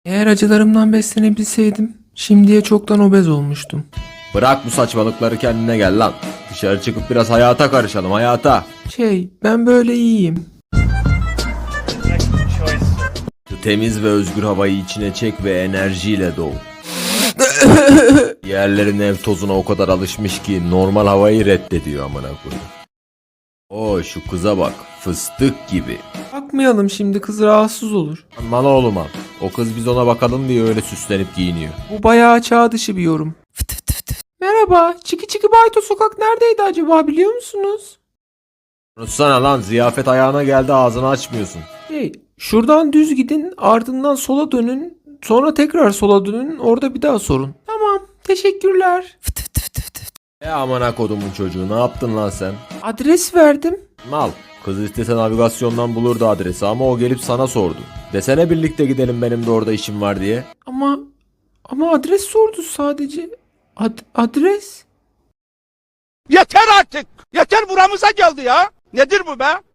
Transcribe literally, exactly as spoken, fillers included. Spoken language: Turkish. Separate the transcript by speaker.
Speaker 1: Eğer acılarımdan beslenebilseydim şimdiye çoktan obez olmuştum.
Speaker 2: Bırak bu saçmalıkları, kendine gel lan. Dışarı çıkıp biraz hayata karışalım, hayata.
Speaker 1: Şey, ben böyle iyiyim.
Speaker 2: Şu temiz ve özgür havayı içine çek ve enerjiyle doğ. Yerlerin ev tozuna o kadar alışmış ki normal havayı reddediyor amına koyayım. Oo, şu kıza bak, fıstık gibi.
Speaker 1: Bakmayalım şimdi, kız rahatsız olur.
Speaker 2: Lan oğlum al. O kız biz ona bakalım diye öyle süslenip giyiniyor.
Speaker 1: Bu bayağı çağ dışı bir yorum. Merhaba, Çiki Çiki Bayto sokak neredeydi acaba, biliyor musunuz?
Speaker 2: Unutsana lan, ziyafet ayağına geldi, ağzını açmıyorsun.
Speaker 1: Hey, şuradan düz gidin, ardından sola dönün, sonra tekrar sola dönün, orada bir daha sorun. Tamam, teşekkürler.
Speaker 2: E amına kodumun çocuğu, ne yaptın lan sen?
Speaker 1: Adres verdim.
Speaker 2: Mal. Kız istese navigasyondan bulurdu adresi ama o gelip sana sordu. Desene birlikte gidelim, benim de orada işim var diye.
Speaker 1: Ama ama adres sordu sadece. Ad- adres?
Speaker 3: Yeter artık. Yeter buramıza geldi ya. Nedir bu be?